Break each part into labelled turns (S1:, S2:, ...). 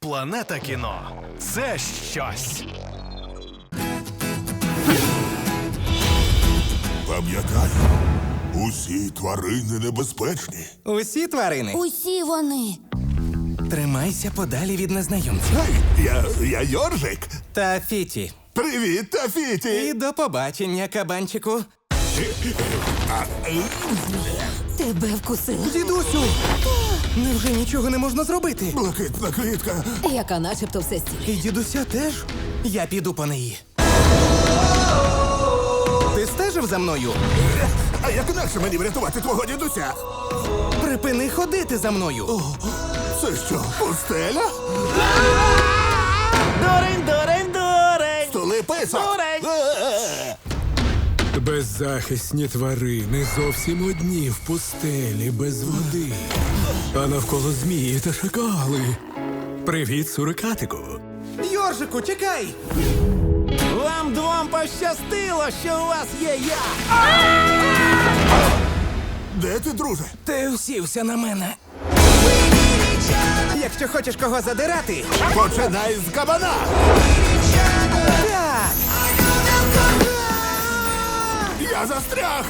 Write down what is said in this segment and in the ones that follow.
S1: Планета кіно – це щось.
S2: Пам'ятай, усі тварини небезпечні.
S3: Усі тварини.
S4: Усі вони.
S3: Тримайся подалі від незнайомців.
S2: Гей, я Йоржик.
S3: Та Фіті.
S2: Привіт,
S3: І
S2: Тафіті.
S3: до побачення, кабанчику.
S4: Тебе вкусила.
S3: Дідусю! Невже нічого не можна зробити?
S2: Блакитна квітка.
S4: Яка начебто все стіль.
S3: І дідуся теж? Я піду по неї. Ти стежив за мною?
S2: А як інакше мені врятувати твого дідуся?
S3: Припини ходити за мною.
S2: Це що, пустеля?
S3: Дурень, дурень, дурень!
S2: Столи писок.
S3: Дурень!
S5: Беззахисні тварини зовсім одні в пустелі без води. А навколо змії та шакали. Привіт, сурикатику.
S3: Йоржику, чекай! Вам двом пощастило, що у вас є я!
S2: Де ти, друже?
S3: Ти усівся на мене. Якщо хочеш кого задирати,
S2: Починай з кабана.
S3: так!
S2: Я застряг.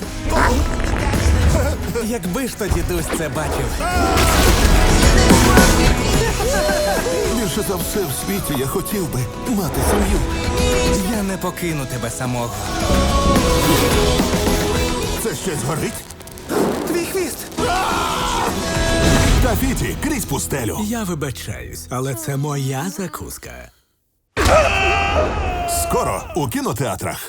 S3: Якби ж то дідусь це бачив.
S2: Більше за все в світі я хотів би мати сім'ю.
S3: Я не покину тебе самого.
S2: Це щось горить?
S3: Твій хвіст!
S2: Тафіті, крізь пустелю.
S5: Я вибачаюсь, але це моя закуска.
S2: Скоро у кінотеатрах.